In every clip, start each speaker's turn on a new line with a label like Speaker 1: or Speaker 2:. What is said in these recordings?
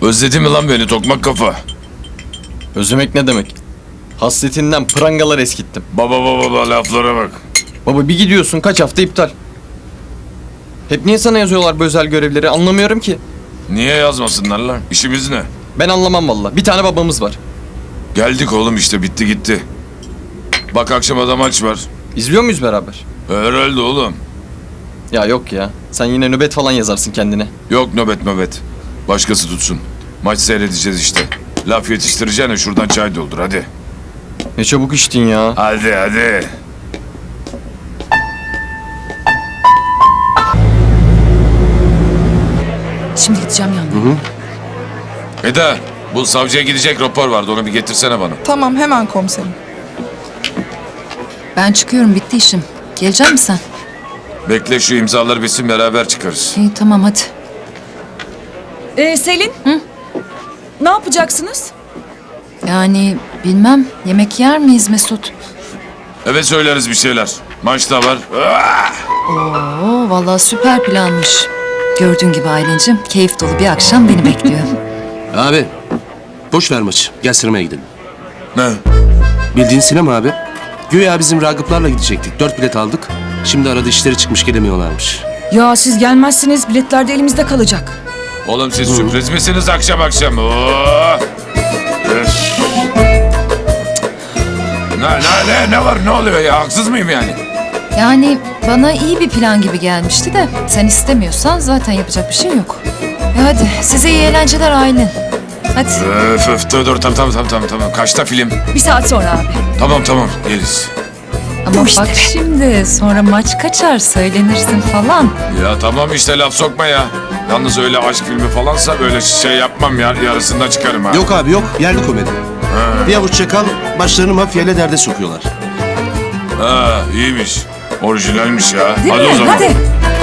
Speaker 1: Özledin mi lan beni tokmak kafa?
Speaker 2: Özlemek ne demek? Hasretinden prangalar eskittim.
Speaker 1: Baba laflara bak.
Speaker 2: Baba bir gidiyorsun kaç hafta iptal. Hep niye sana yazıyorlar bu özel görevleri anlamıyorum ki.
Speaker 1: Niye yazmasınlar lan? İşimiz ne?
Speaker 2: Ben anlamam valla. Bir tane babamız var.
Speaker 1: Geldik oğlum işte bitti gitti. Bak akşama da maç var.
Speaker 2: İzliyor muyuz beraber?
Speaker 1: Herhalde oğlum.
Speaker 2: Ya yok ya. Sen yine nöbet falan yazarsın kendine.
Speaker 1: Yok nöbet. Başkası tutsun. Maç seyredeceğiz işte. Laf yetiştireceğine şuradan çay doldur hadi.
Speaker 2: Ne çabuk içtin ya.
Speaker 1: Hadi.
Speaker 3: Şimdi gideceğim yanına.
Speaker 1: Eda bu savcıya gidecek rapor vardı onu bir getirsene bana.
Speaker 4: Tamam hemen komiserim.
Speaker 3: Ben çıkıyorum, bitti işim. Gelecek misin sen?
Speaker 1: Bekle şu imzaları bitsin beraber çıkarız.
Speaker 3: İyi tamam hadi.
Speaker 5: Selin. Ne yapacaksınız?
Speaker 3: Yani bilmem, yemek yer miyiz Mesut?
Speaker 1: Evet söyleriz bir şeyler. Maç da var.
Speaker 3: Oo vallahi süper planmış. Gördüğün gibi Aylin'cim, keyif dolu bir akşam beni bekliyor.
Speaker 6: Abi, boş ver maçı. Gel sinemaya gidelim.
Speaker 1: Ne?
Speaker 6: Bildiğin sinema abi. Güya bizim Ragıplarla gidecektik. 4 bilet aldık. Şimdi arada işleri çıkmış gelemiyorlarmış.
Speaker 5: Ya siz gelmezsiniz, biletler de elimizde kalacak.
Speaker 1: Oğlum siz sürpriz misiniz akşam? Oo! Öf! Ne var ne oluyor ya haksız mıyım yani?
Speaker 3: Yani bana iyi bir plan gibi gelmişti de sen istemiyorsan zaten yapacak bir şey yok. Hadi size iyi eğlenceler Aylin. Hadi.
Speaker 1: Dur tamam. Kaçta film?
Speaker 5: 1 saat sonra abi.
Speaker 1: Tamam geliriz.
Speaker 3: Ama bak şimdi sonra maç kaçar söylenirsin falan.
Speaker 1: Ya tamam işte laf sokma ya. Yalnız öyle aşk filmi falansa böyle şey yapmam ya yarısında çıkarım ha.
Speaker 6: Yok abi yok. Yerli komedi. Bir avuç çakal başlarını mafyayla derde sokuyorlar.
Speaker 1: Ha iyiymiş. Orijinalmiş ya.
Speaker 3: Değil
Speaker 1: hadi
Speaker 3: mi?
Speaker 1: o zaman.
Speaker 3: Hadi.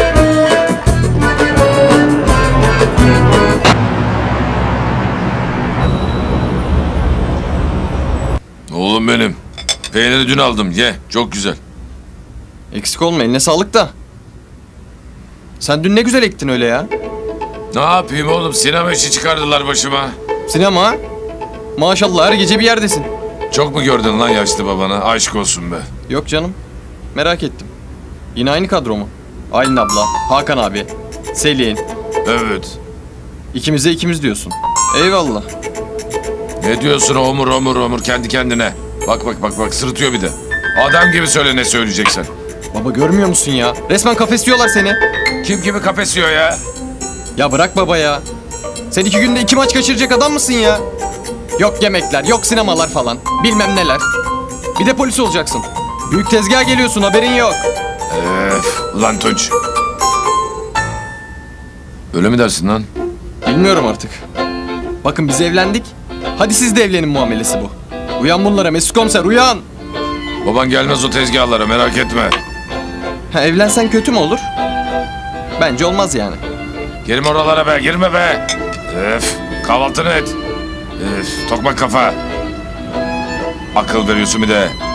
Speaker 1: Oğlum benim. Peyniri dün aldım ye. Çok güzel.
Speaker 2: Eksik olma eline sağlık da. Sen dün ne güzel ektin öyle ya.
Speaker 1: Ne yapayım oğlum sinema işi çıkardılar başıma.
Speaker 2: Sinema ha? Maşallah her gece bir yerdesin.
Speaker 1: Çok mu gördün lan yaşlı babana? Aşk olsun be.
Speaker 2: Yok canım. Merak ettim. Yine aynı kadro mu? Aylin abla, Hakan abi, Selin.
Speaker 1: Evet.
Speaker 2: İkimize ikimiz diyorsun. Eyvallah.
Speaker 1: Ne diyorsun omur kendi kendine. Bak sırıtıyor bir de. Adam gibi söyle ne söyleyeceksen.
Speaker 2: Baba görmüyor musun ya? Resmen kafesliyorlar seni.
Speaker 1: Kim kimi kafesiyor ya?
Speaker 2: Ya bırak baba ya. Sen 2 günde 2 maç kaçıracak adam mısın ya? Yok yemekler, yok sinemalar falan. Bilmem neler. Bir de polis olacaksın. Büyük tezgaha geliyorsun haberin yok.
Speaker 1: Ulan Tunç. Öyle mi dersin lan?
Speaker 2: Bilmiyorum artık. Bakın biz evlendik. Hadi siz de evlenin muamelesi bu. Uyan bunlara Mesut Komiser uyan.
Speaker 1: Baban gelmez o tezgahlara merak etme.
Speaker 2: Ha, evlensen kötü mü olur? Bence olmaz yani.
Speaker 1: Girme oralara be girme be. Kahvaltını et. Tokmak kafa. Akıl veriyorsun bir de.